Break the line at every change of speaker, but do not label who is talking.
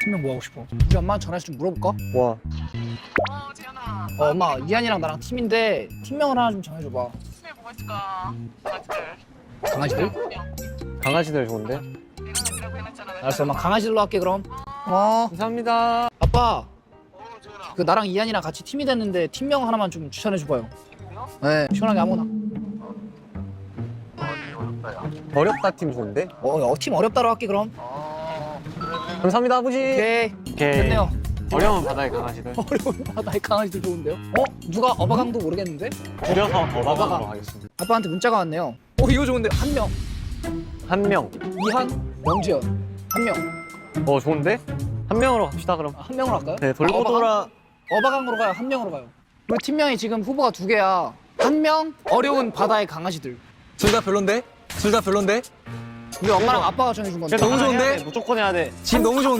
팀명 뭐 하고 싶어? 우리 엄마한테 전화해서 좀 물어볼까?
와.
재현아.
엄마 이한이랑 나랑 팀인데 팀명을 하나 좀 정해줘봐.
팀에 뭐가 있을까? 강아지들.
강아지들?
강아지들 좋은데?
내가 놈이라고 해놨잖아.
알았어 엄마 강아지들로 할게 그럼. 어
감사합니다.
아빠
재현아.
그 나랑 이한이랑 같이 팀이 됐는데 팀명 하나만 좀 추천해줘봐요.
팀명?
네 시원하게 아무거나.
어렵다, 야.
어렵다 팀 좋은데?
팀 어렵다로 할게 그럼.
감사합니다 아버지.
오케이
오케이.
됐네요.
어려운 바다의 강아지들.
어려운 바다의 강아지들 좋은데요? 누가 어바강도 모르겠는데?
줄여서
어바강.
어바강으로 하겠습니다.
아빠한테 문자가 왔네요. 이거 좋은데 한 명.
한 명.
이한, 명지연 한 명.
좋은데? 한 명으로 갑시다 그럼.
한 명으로 할까요?
네, 돌고 돌아.
어바강으로 가요? 한 명으로 가요? 우리 팀명이 지금 후보가 2개야. 한 명 어려운 바다의 강아지들.
둘 다 별론데? 둘 다 별론데?
우리 엄마랑 아빠가 정해준 건데.
너무 좋은데?
무조건 해야 돼.
지금 너무 좋은데?